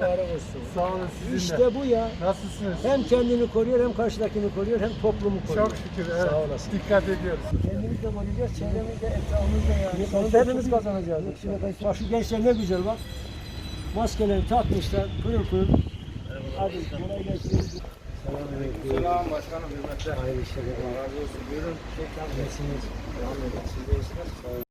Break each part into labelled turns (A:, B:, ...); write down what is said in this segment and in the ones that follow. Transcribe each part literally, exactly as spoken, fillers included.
A: mübarek olsun.
B: Sağ olun sizinle.
A: İşte bu ya.
B: Nasılsınız?
A: Hem kendini koruyor hem karşıdakini koruyor hem toplumu koruyor.
B: Çok şükür, evet.
A: Sağ olasın.
B: Dikkat ediyoruz.
A: Kendimiz de koruyacağız, çevremiz de, etrafımız da yani. Sonunda hepimiz kazanacağız. Bak şu gençler ne güzel bak. Maskelerini takmışlar, pırıl pırıl. Hadi kolay gelsin. Selamünaleyküm.
C: Selam başkanım, hürmetler.
A: Hayırlı işler.
C: Allah razı olsun. Buyurun.
A: Nasılsınız? Devam edin. Siz de iyisiniz. Sağ olun.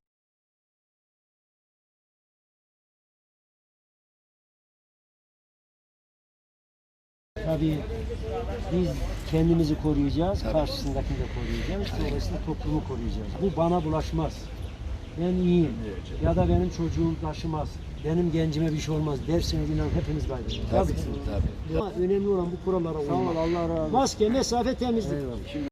A: Tabii biz kendimizi koruyacağız, karşısındakini de koruyacağız, dolayısıyla toplumu koruyacağız. Bu bana bulaşmaz. Ben iyiyim ya da benim çocuğum taşımaz, benim gencime bir şey olmaz derseniz inan hepimiz kaybederiz.
C: Tabii,
A: Tabii.
C: tabii.
A: Ama önemli olan bu kurallara uymak.
B: Sağ ol, Allah razı olsun.
A: Maske, mesafe, temizlik.
B: Eyvallah.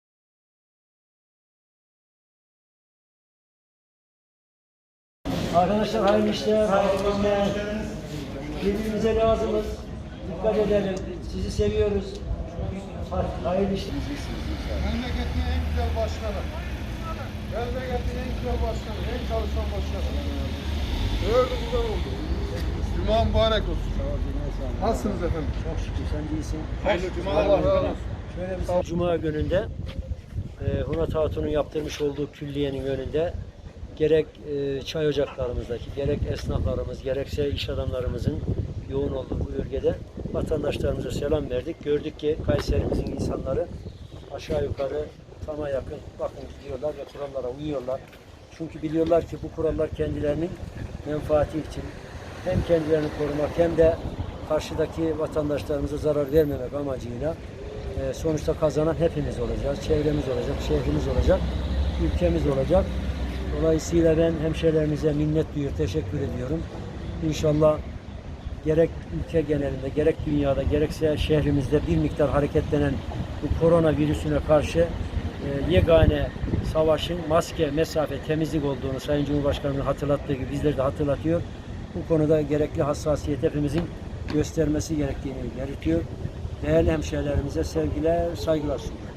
A: Arkadaşlar hayırlı işler, hayırlı günler. Birbirimize lazımız. Dikkat edelim. Sizi seviyoruz. Hayırlı işler.
B: Memleketin en güzel başkanı. Memleketin en güzel başkanı, en çalışan başkanı. Gördüm güzel oldu. Cuma mübarek olsun. Nasılsınız efendim?
A: Çok şükür sen değilsin.
B: Hayırlı cumalar. Allah razı olsun.
A: Şöyle bir Cuma gününde e, Hunat Hatun'un yaptırmış olduğu külliyenin önünde gerek e, çay ocaklarımızdaki, gerek esnaflarımız, gerekse iş adamlarımızın yoğun olduğu bu bölgede vatandaşlarımıza selam verdik. Gördük ki Kayserimizin insanları aşağı yukarı tama yakın bakın gidiyorlar ve kurallara uyuyorlar. Çünkü biliyorlar ki bu kurallar kendilerinin menfaati için hem kendilerini korumak hem de karşıdaki vatandaşlarımıza zarar vermemek amacıyla e, sonuçta kazanan hepimiz olacağız. Çevremiz olacak, şehrimiz olacak, ülkemiz olacak. Dolayısıyla ben hemşehrilerimize minnet duyuyor, teşekkür ediyorum. İnşallah gerek ülke genelinde, gerek dünyada, gerekse şehrimizde bir miktar hareketlenen bu korona virüsüne karşı e, yegane savaşın maske, mesafe, temizlik olduğunu Sayın Cumhurbaşkanı'nın hatırlattığı gibi bizleri de hatırlatıyor. Bu konuda gerekli hassasiyet hepimizin göstermesi gerektiğini belirtiyor. Değerli hemşehrilerimize sevgiler, saygılar sunuyorum.